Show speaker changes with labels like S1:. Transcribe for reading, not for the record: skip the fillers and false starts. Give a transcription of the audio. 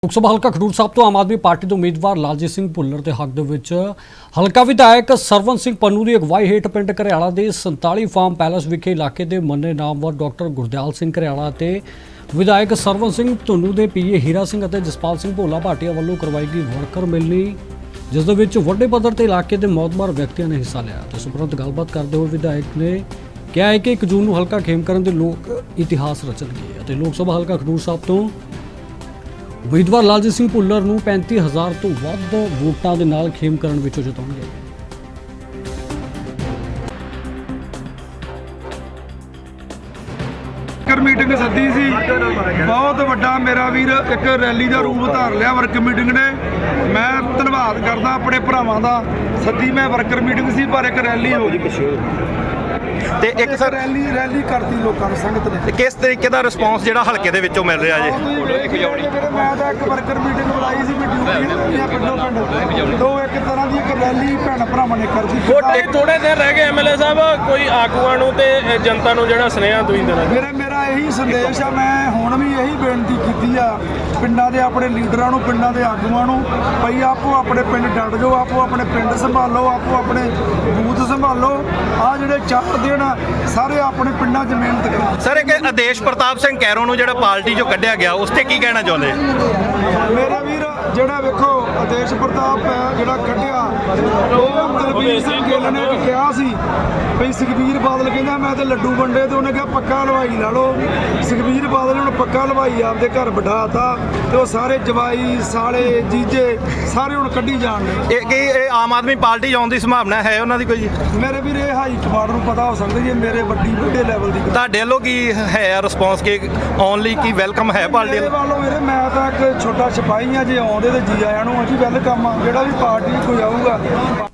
S1: ਲੋਕ ਸਭਾ ਹਲਕਾ ਖਡੂਰ ਸਾਹਿਬ ਤੋਂ ਆਮ ਆਦਮੀ ਪਾਰਟੀ ਦੇ ਉਮੀਦਵਾਰ ਲਾਲਜੀਤ ਸਿੰਘ ਭੁੱਲਰ ਦੇ ਹੱਕ ਦੇ ਵਿੱਚ ਹਲਕਾ ਵਿਧਾਇਕ ਸਰਵਨ ਸਿੰਘ ਪੰਨੂ ਦੀ ਅਗਵਾਈ ਹੇਠ ਪਿੰਡ ਘਰਿਆਲਾ ਦੇ 47 ਫਾਰਮ ਪੈਲਸ ਵਿਖੇ ਇਲਾਕੇ ਦੇ ਮੰਨੇ ਨਾਮਵਰ ਡਾਕਟਰ ਗੁਰਦਿਆਲ ਸਿੰਘ ਘਰਿਆਲਾ ਅਤੇ ਵਿਧਾਇਕ ਸਰਵਨ ਸਿੰਘ ਧੁੰਨੂ ਦੇ ਪੀਏ ਹੀਰਾ ਸਿੰਘ ਅਤੇ ਜਸਪਾਲ ਸਿੰਘ ਭੋਲਾ ਭਾਟੀਆ ਵੱਲੋਂ ਕਰਵਾਈ ਗਈ ਵਰਕਰ ਮਿਲਣੀ, ਜਿਸ ਦੇ ਵਿੱਚ ਵੱਡੇ ਪੱਧਰ ਤੇ ਇਲਾਕੇ ਦੇ ਮੌਤਬਾਰ ਵਿਅਕਤੀਆਂ ਨੇ ਹਿੱਸਾ ਲਿਆ। ਤੇ ਉਪਰੰਤ ਗੱਲਬਾਤ ਕਰਦੇ ਹੋਏ ਵਿਧਾਇਕ ਨੇ ਕਿਹਾ ਹੈ ਕਿ 1 ਜੂਨ ਨੂੰ ਹਲਕਾ ਖੇਮਕਰਨ ਦੇ ਲੋਕ ਇਤਿਹਾਸ ਰਚਣਗੇ ਅਤੇ ਲੋਕ ਸਭਾ ਹਲਕਾ ਖਡੂਰ ਸਾਹਿਬ ਤੋਂ ਉਮੀਦਵਾਰ ਲਾਲਜੀਤ ਸਿੰਘ ਭੁੱਲਰ ਨੂੰ 35,000 ਤੋਂ ਵੱਧ ਵੋਟਾਂ ਦੇ ਨਾਲ ਖੇਮਕਰਨ ਵਿੱਚੋਂ ਜਿਤਾਉਣਗੇ।
S2: ਮੀਟਿੰਗ ਸੱਦੀ ਸੀ, ਬਹੁਤ ਵੱਡਾ ਮੇਰਾ ਵੀਰ ਇੱਕ ਰੈਲੀ ਦਾ ਰੂਪ ਧਾਰ ਲਿਆ ਵਰਕ ਮੀਟਿੰਗ ਨੇ। ਮੈਂ ਧੰਨਵਾਦ ਕਰਦਾ ਆਪਣੇ ਭਰਾਵਾਂ ਦਾ। ਸੱਦੀ ਮੈਂ ਵਰਕਰ ਮੀਟਿੰਗ ਸੀ ਪਰ ਇੱਕ ਰੈਲੀ ਹੋ ਗਈ
S3: ਤੇ ਇੱਕ ਸਰ
S2: ਰੈਲੀ ਕਰਤੀ ਲੋਕਾਂ ਨੂੰ ਸੰਗਤ ਨੇ।
S3: ਤੇ ਕਿਸ ਤਰੀਕੇ ਦਾ ਰਿਸਪੌਂਸ ਜਿਹੜਾ ਹਲਕੇ ਦੇ ਵਿੱਚੋਂ ਮਿਲ ਰਿਹਾ ਜੀ?
S2: ਮੈਂ ਤਾਂ ਇੱਕ ਵਰਕਰ ਮੀਟਿੰਗ ਬੁਲਾਈ ਸੀ ਪਿੰਡੋਂ ਪਿੰਡ ਤੋਂ ਇੱਕ ਤਰ੍ਹਾਂ ਦੀ ਇੱਕ ਰੈਲੀ ਭੈਣ ਭਰਾਵਾਂ ਨੇ ਕਰਤੀ।
S4: ਥੋੜੇ ਦਿਨ ਰਹਿ ਗਏ ਐਮਐਲਏ ਸਾਹਿਬ, ਕੋਈ ਆਗੂਆਂ ਨੂੰ ਤੇ ਜਨਤਾ ਨੂੰ ਜਿਹੜਾ ਸੁਨੇਹਾ ਤੁਸੀਂ ਦੇਣਾ?
S2: ਮੇਰਾ ਇਹੀ ਸੰਦੇਸ਼ ਆ, ਮੈਂ ਹੁਣ ਵੀ ਇਹੀ ਬੇਨਤੀ ਕੀਤੀ ਆ ਪਿੰਡਾਂ ਦੇ ਆਪਣੇ ਲੀਡਰਾਂ ਨੂੰ, ਪਿੰਡਾਂ ਦੇ ਆਗੂਆਂ ਨੂੰ, ਭਈ ਆਪੋ ਆਪਣੇ ਪਿੰਡ ਡਟ ਜਾਓ, ਆਪੋ ਆਪਣੇ ਪਿੰਡ ਸੰਭਾਲੋ, ਆਪੋ ਆਪਣੇ ਬੂਥ ਸੰਭਾਲੋ। ਆ ਜਿਹੜੇ 4 ਦਿਨ ਸਾਰੇ ਆਪਣੇ ਪਿੰਡਾਂ 'ਚ ਮਿਹਨਤ ਕਰੋ।
S3: ਸਰ ਇੱਕ ਆਦੇਸ਼ ਪ੍ਰਤਾਪ ਸਿੰਘ ਕੈਰੋਂ ਨੂੰ ਜਿਹੜਾ ਪਾਰਟੀ 'ਚੋਂ ਕੱਢਿਆ ਗਿਆ, ਉਸ ਤੇ ਕੀ ਕਹਿਣਾ ਚਾਹੁੰਦੇ?
S2: ਮੇਰੇ ਵੀਰ ਜਿਹੜਾ ਵੇਖੋ ਆਦੇਸ਼ ਪ੍ਰਤਾਪ ਹੈ ਜਿਹੜਾ ਕੱਢਿਆ, ਉਹ ਦਲਬੀਰ ਸਿੰਘ ਗਿੱਲ ਨੇ ਵੀ ਕਿਹਾ ਸੀ ਭਈ ਸੁਖਬੀਰ ਬਾਦਲ ਕਹਿੰਦਾ ਮੈਂ ਤੇ ਲੱਡੂ ਵੰਡੇ, ਤੇ ਉਹਨੇ ਕਿਹਾ ਪੱਕਾ ਹਲਵਾਈ ਲਾ ਲਓ। ਸੁਖਬੀਰ ਬਾਦਲ ਨੇ ਹੁਣ ਪੱਕਾ ਹਲਵਾਈ ਆਪਦੇ ਘਰ ਬਿਠਾਤਾ ਤੇ ਉਹ ਸਾਰੇ ਜਵਾਈ ਸਾਲੇ ਜੀਜੇ ਸਾਰੇ ਹੁਣ ਕੱਢੀ ਜਾਣਗੇ।
S3: ਇਹ ਆਮ ਆਦਮੀ ਪਾਰਟੀ ਆਉਣ ਦੀ ਸੰਭਾਵਨਾ ਹੈ ਉਹਨਾਂ ਦੀ ਕੋਈ?
S2: ਮੇਰੇ ਵੀਰ ਇਹ ਹਾਈ ਕਮਾਂਡ ਨੂੰ ਪਤਾ ਹੋ ਸਕਦਾ ਜੀ, ਮੇਰੇ ਵੱਡੇ ਲੈਵਲ ਦੀ
S3: ਤੁਹਾਡੇ ਵੱਲੋਂ ਕੀ ਹੈ ਰਿਸਪੌਂਸ? ਕਿ ਆਉਣ ਲਈ ਕੀ ਵੈਲਕਮ ਹੈ ਪਾਰਟੀ
S2: ਵੱਲੋਂ? ਵੀਰੇ ਮੈਂ ਤਾਂ ਇੱਕ ਛੋਟਾ ਸਿਪਾਹੀ ਆ, ਜੇ ਆਉਂਦੇ ਤੇ ਜੀ ਆਇਆਂ ਨੂੰ ਅਸੀਂ ਵੈਲਕਮ ਆ। ਜਿਹੜਾ ਵੀ ਪਾਰਟੀ ਕੋਈ ਆਊਗਾ